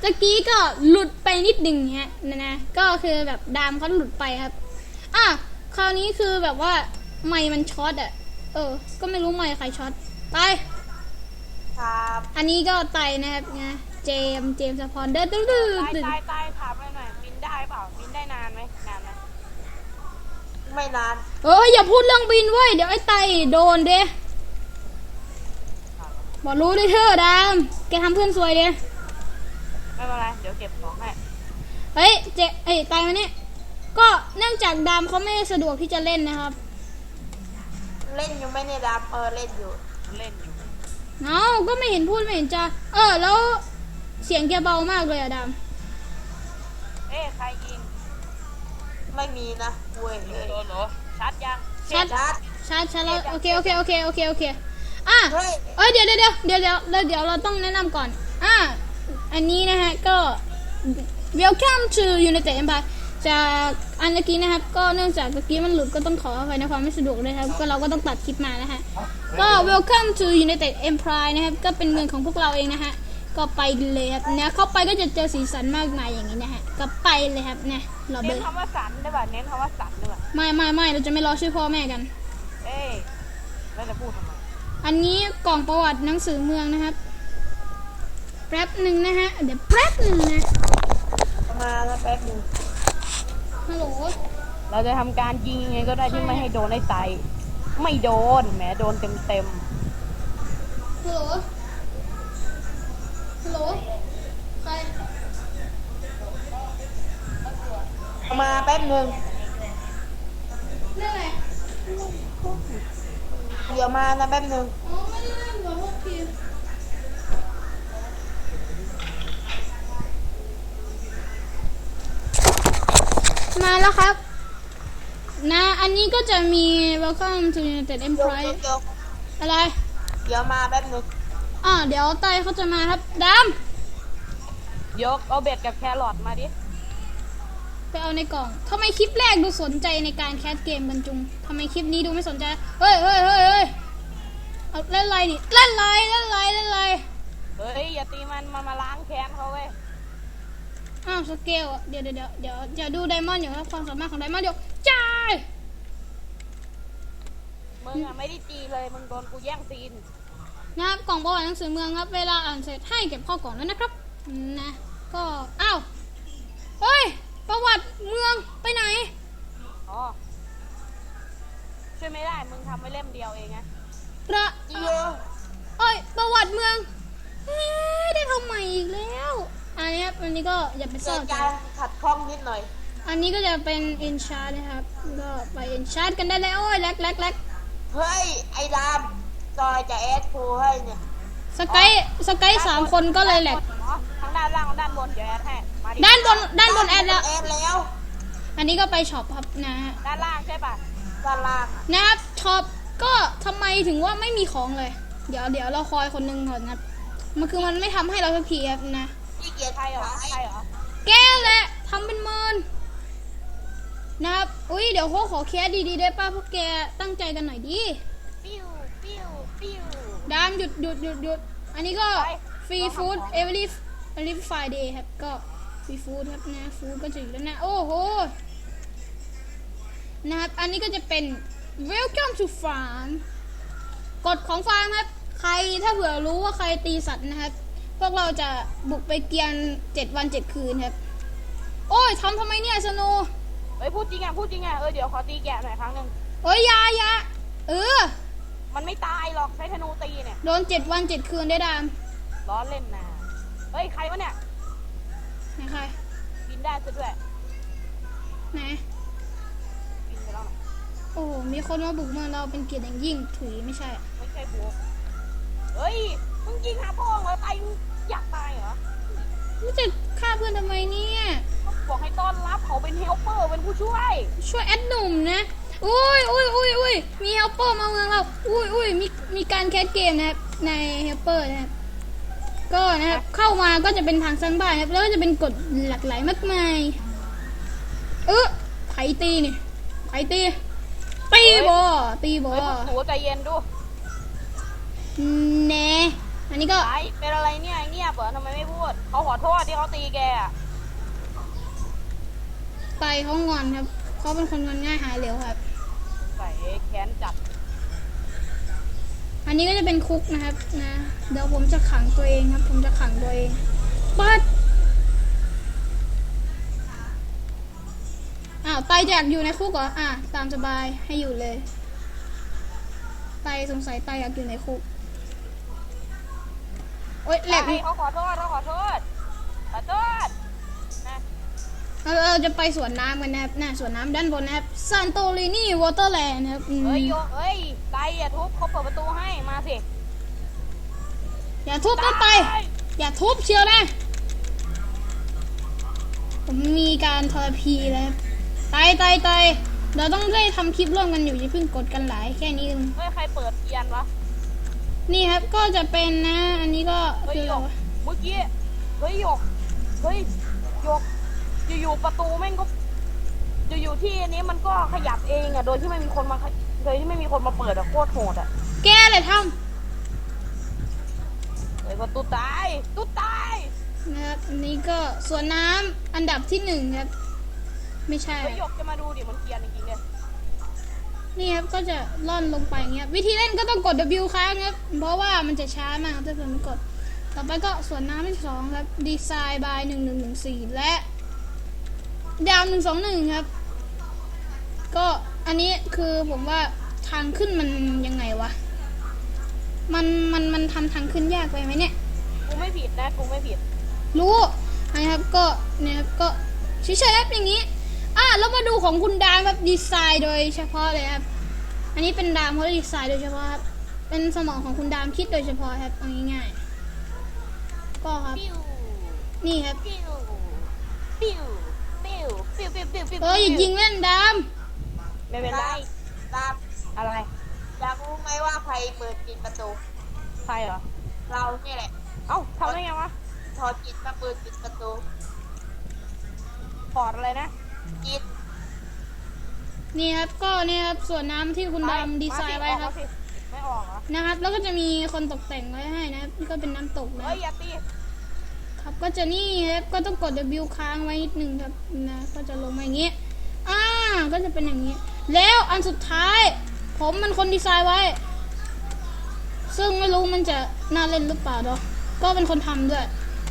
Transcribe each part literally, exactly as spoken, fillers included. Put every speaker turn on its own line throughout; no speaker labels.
ตะกี้ก็หลุดไปนิดหนึ่งฮะนะนะก็คือแบบดามเขาหลุดไปครับอ่ะคราวนี้คือแบบว่าไมค์มันช็อตอ่ะเออก็ไม่รู้ไมค์ใครช็อตไป
ครับ
อันนี้ก็ไตนะครับนะเจมเจมสปอนเดอร์ตื้อตื้อ
ตายตายตายถามหน่อยหน่อยบินได้เปล่าบินได้นานไหมนานไหม
ไม่นาน
เอออย่าพูดเรื่องบินเว้ยเดี๋ยวไอ้ไตโดนเด้บอกรู้ด้วยเธอดามแกทำเพื่อนซวยเด้
ไม่เป็นไรเดี๋ยวเก็บของให้
เฮ้ยเจไอ้ไตมาเนี่ยก็เนื่องจากดามเขาไม่สะดวกที่จะเล่นนะครับ
เล่นอยู่ไม่เนี่ยดับเออเล่นอยู่
เล่นอยู่
เอ้าก็ไม่เห็นพูดไม่เห็นจะเออแล้วเสียงแกเบามากเลยอะดาม
เอ๊ะใครยิง
ไม่มีนะเว้ยเลย
โดนเหรอชัดยัง
ชัด
ชัด
ชัดชัดแล้วโอเคโอเคโอเคโอเคโอเคอ่ะ
เฮ้ย
เอ้ยเดี๋ยวเดี๋ยวเดี๋ยวเดี๋ยวเดี๋ยวเดี๋ยวเราต้องแนะนำก่อนอ่ะอันนี้นะฮะก็ welcome to United Empire จากอันเมื่อกี้นะครับก็เนื่องจากเมื่อกี้มันหลุดก็ต้องขออภัยในความไม่สะดวกเลยครับก็เราก็ต้องตัดคลิปมานะฮะก็ welcome to United Empire นะครับก็เป็นเมืองของพวกเราเองนะฮะก็ไปเลยครับเนี่ยเข้าไปก็จะเจอสีสันมากมายอย่างนี้นะฮะก็ไปเลยครับเนี่ยเราไป
เน้นคำว่าสันได้ป่ะเน้นคำว่าสันได้ป่ะ
ไม่ไม่ไม่เราจะไม่รอชื่อพ่อแม่กัน
เอ๊ะแล้วจะพูดทำไม
อันนี้กล่องประวัติหนังสือเมืองนะครับแป๊บหนึ่งนะฮะเดี๋ยวแป๊บหนึ่งนะ
มาแล้วแป๊บนึง
ฮัลโหล
เราจะทำการยิงยังไงก็ได้ที่ไม่ให้โดนไอ้ไตไม่โดนแหมโดนเต็มเต็ม
ฮัลโหลฮัลโหลใคร
มาแป๊บนึง
เรื่องอะไร
เดี๋ยวมานะแป๊บนึง
อ๋อไม่ได้เล่นหัวพวกทีมมาแล้วครับนะอันนี้ก็จะมี welcome to United
เดี๋ยว
Empire
เดี๋ยว
อะไร
เดี๋ยวมาแป๊บนึง
อ่าเดี๋ยวไตเขาจะมาครับด
ๆยกเอาเบ็ดกับแครอทมาดิ
ำไปเอาในกล่องทำไมคลิปแรกดูสนใจในการแคสเกมกันจุงทำไมคลิปนี้ดูไม่สนใจเฮ้ยเฮ้ยเฮ้ยเฮ้ยเอาเล่นไรนี่เล่นไรเล่นไรเล่นไร
เฮ้ยอย่าตีมันมามาล้างแค้นเขาเว้ย
อ้าวสเกลอ่ะเดี๋ยวเดี๋ยวเดี๋ยวเดี๋ยวดูไดมอนด์อยู่ครับความสามารถของไดมอนด์อยู่จ้าย
มึงอะไม่ได้ตีเลยมึงโดนกูแย่งซีน
นะครับกล่องประวัติหนังสือเมืองครับเวลาอ่านเสร็จให้เก็บเข้ากล่องแล้วนะครับนะก็อ้าวเฮ้ยประวัติเมืองไปไหน
อ๋อช่วยไม่ได้มึงทำไว้เล่มเดียวเองไง
ประ
เดี๋ยว
เอ้ยประวัติเมืองเอ๊ะได้ทำใหม่อีกแล้วอันนี้ครับอันนี้ก็อย่าไป
เกิ
ซ่อ
ด
น
การขัดข้องนิดหน่อย
อันนี้ก็จะเป็นเอนชาร์ดนะครับก็ไปเอนชาร์ดกันได้แล้วโอ้ยแลกแลกแลก
เฮ้ยไอ้ดามจอยจะแอดโพให้เนี่ย
สกายสกายสามคนก็เลยแหลก
อ๋อทั้งด้านล่างด้านบนเดี๋ยวแอดให้มาดิ
ด้านบนด้านบนแอดแล้ว
แอดแล้ว
อันนี้ก็ไปช็อปครับนะฮะ
ด้านล่างใช่ป่ะ
ด้านล่างอะ
นะครับช็อปก็ทำไมถึงว่าไม่มีของเลย เดี๋ยวเดี๋ยวเราคอยคนหนึงก่อนนะครับมันคือมันไม่ทำให้เราสักทีครับนะ
ขี้เกียจ
ใช่เหรอ
ขาย
ใช่เหรอ
แกแหละทำเป็นเมินนะครับอุ้ยเดี๋ยวเขาขอแคสดีๆได้ป่ะพวกแกตั้งใจกันหน่อยดิ
ปิ้วปิ้วปิ้ว
ดามหยุดหยุดหยุดหยุดอันนี้ก็ฟรีฟู้ด every every Friday ครับก็ฟรีฟู้ดครับนะฟู้ดก็จะอยู่แล้วนะโอ้โหนะครับอันนี้ก็จะเป็น welcome to farm กฎของฟาร์มครับใครถ้าเผื่อรู้ว่าใครตีสัตว์นะครับพวกเราจะบุกไปเกียนเจ็ดวันเจ็ดคืนครับโอ้ยทำทำไมเนี่ยสโน
เฮ้ยพูดจริงอ่ะพูดจริงอ่ะเออเดี๋ยวขอตีแกะหน่อยครั้งหนึ่ง
เอ้ยอยาอยาเออ
มันไม่ตายหรอกใช้ธนูตีเนี่ย
โดนเจ็ดวันเจ็ดคืนได้ดาม
ล้อเล่นนะเฮ้ยใครวะเนี่ย
ไหนใคร
บินได้ซะด้วย
ไหน
บินไปแล้วนะ
โอ้โหมีคนมาบุกเมืองเราเป็นเกียรติอย่างยิ่งถุยไม่ใช่
ไม่ใช่บัวเฮ้ยมึงยิงหาพ่อเหรอตายมึงอยากตายเหรอ
นี่จะฆ่าเพื่อนทำไมเนี่ย
บอกให้ต้อนรับเขาเป็นเฮลเปอร์เป็นผู้ช่วย
ช่วยแอดหนุ่มนะอุ้ยอุ้ยอุ้ยอุ้ยมีเฮลเปอร์มาเมืองเราอุ้ยอุ้ยมีมีการแคสเกมนะครับในเฮลเปอร์นะครับก็นะครับเข้ามาก็จะเป็นทางสร้างบ้านครับแล้วก็จะเป็นกฎหลากหลายมากมายเออไผตีนี่ไผตีตีบอตีบอ
เฮ้ยพวกหนูใจเย็นดู
แน่ออันนี้ก็
ไอ้เป็นอะไรเนี่ยเงียบเหรอทำไมไม่พูดเขาขอโทษที่เขาตีแกอะ
ไตเขางอนครับเขาเป็นคนงอนง่ายหายเร็วครับ
ใส่แค้นจัด
อันนี้ก็จะเป็นคุกนะครับนะเดี๋ยวผมจะขังตัวเองครับ ผมจะขังตัวเองปัดอ้าวไตอยากอยู่ในคุกเหรออ่ะตามสบายให้อยู่เลยไตสงสัยไตอยากอยู่ในคุกโอ๊ยแหลก
ไอ้เขาขอโทษเขาขอโทษขอโทษนะ
เราเราจะไปสวนน้ำกันนะครับน่ะสวนน้ำด้านบนนะครับซานโตลินีวอเตอร์แลนด์นะครับอืม
เฮ้ยโยเฮ้ยไกอย่าทุบเขาเปิดประตูให้มาสิ
อย่าทุบนะไตอย่าทุบเชียวนะผมมีการทรพีแล้วไตไตไตเราต้องได้ทำคลิปร่วมกันอยู่อย่าเพิ่งกดกันหลายแค่นี้เอง
เฮ้ยใครเปิดเทียนวะ
นี่ครับก็จะเป็นนะ อันนี้ก็
เฮ้ย
คือ
หยกเมื่อกี้เฮ้ยหยกเฮ้ยหยกอยู่ๆประตูแม่งก็อยู่ๆที่อันนี้มันก็ขยับเองอะโดยที่ไม่มีคนมาโดยที่ไม่มีคนมาเปิดอะโคตรโหดอะ
แกเลยท
เฮ้ยก็ตุ๊ตายตุ๊ตาย
ำนะครับอันนี้ก็สวนน้ำอันดับที่หนึ่งครับไม่ใช่
เฮ้ยหยกจะมาดูดิมันเกรียนจริงๆเนี่ย
นี่ครับก็จะล่อนลงไปอย่างเงี้ยวิธีเล่นก็ต้องกด W ค้างครับเพราะว่ามันจะช้ามากถ้าเกิดไม่กดต่อไปก็สวนน้ำที่สองครับดีไซน์บายหนึ่งหนึ่งหนึ่งสี่และดาวหนึ่งสองหนึ่งครับก็อันนี้คือผมว่าทางขึ้นมันยังไงวะมันมันมันทำทางขึ้นยากไปไหมเนี่ย
กูไม่ผิดนะกูไม่ผิด
รู้นะครับก็เนี่ยครับก็เฉยๆครับอย่างนี้อ่ะแล้วมาดูของคุณดามแบบดีไซน์โดยเฉพาะเลยครับอันนี้เป็นดามเขาดีไซน์โดยเฉพาะครับเป็นสมองของคุณดามคิดโดยเฉพาะครับเอาง่ายๆก็ครับ
ปิ้ว
นี่ครับ
ปิ้วปิ้วปิ้วปิ้วปิ้วปิ้วปิ้ว
เอออย่ายิงเล่นดาม
ไม่เป็นไร
ตาม
อะไร
อยากรู้ไหมว่าใครเปิดปิดประตู
ใครเหรอ
เราเนี่ยแหละ
เอ้าทำได้ไงวะ
ถอดจิตมาเปิดปิดประตู
ถอดอะไรนะ
จิต
นี่ครับก็เนี่ยครับส่วนน้ำที่คุณดามดีไซน์ไว้ครับ
มาสิไม่ออกเหรอ
นะครับแล้วก็จะมีคนตกแต่งไว้ให้นะครับนี่ก็เป็นน้ำตกนะ
เฮ้ยอย่าตี
ครับก็จะนี่ครับก็ต้องกด W ค้างไว้นิดนึงครับนะก็จะลงมาอย่างนี้อ่าก็จะเป็นอย่างนี้ แล้วอันสุดท้าย ผมมันคนดีไซน์ไว้ ซึ่งไม่รู้มันจะน่าเล่นหรือเปล่าเนาะก็เป็นคนทำด้วย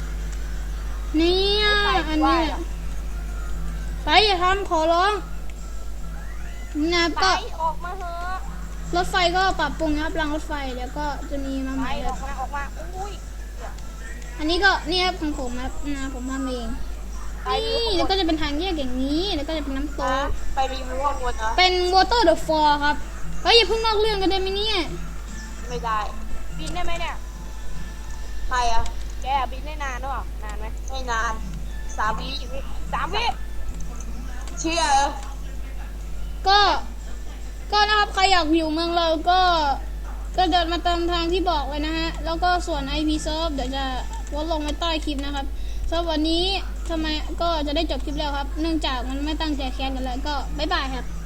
เนี่ยอันนี้ไปอย่าทำขอร้องนะครับ
ไป
ก็
ออกมาเถอะ
รถไฟก็ปรับปรุงนะครับรางรถไฟเดี๋ยวก็จะมีมาให
ไป
ม่ค
อ
รั
อบ กมาออกมาอุ้ย
อันนี้ก็นี่ครับของผมครับนะผมทำเองนี่แล้วก็จะเป็นทางแยกอย่างนี้แล้วก็จะเป็นน้ำต
นะ
ก
ไปรีวิวข้างบนเหรอ
เป็น Water the Fall ครับเฮ้ยอย่าเพิ่งนอกเรื่องกันได้ไหมเนี่ย
ไม่ได้
บินได้ไหมเนี่ย
ใครอ่ะ
แกบินได้นานหรือเปล่านานไหม
ไม่นานสามวิ
สามวิ
เชื่อเหรอ
ก็ก็นะครับใครอยากอยู่เมืองเราก็ก็เดินมาตามทางที่บอกเลยนะฮะแล้วก็ส่วน ไอ พี Serve เดี๋ยวจะวดลงไว้ใต้คลิปนะครับสำหรับวันนี้ทำไมก็จะได้จบคลิปแล้วครับ เนื่องจากมันไม่ตั้งใจแคสกันแล้วก็บ๊ายบายครับ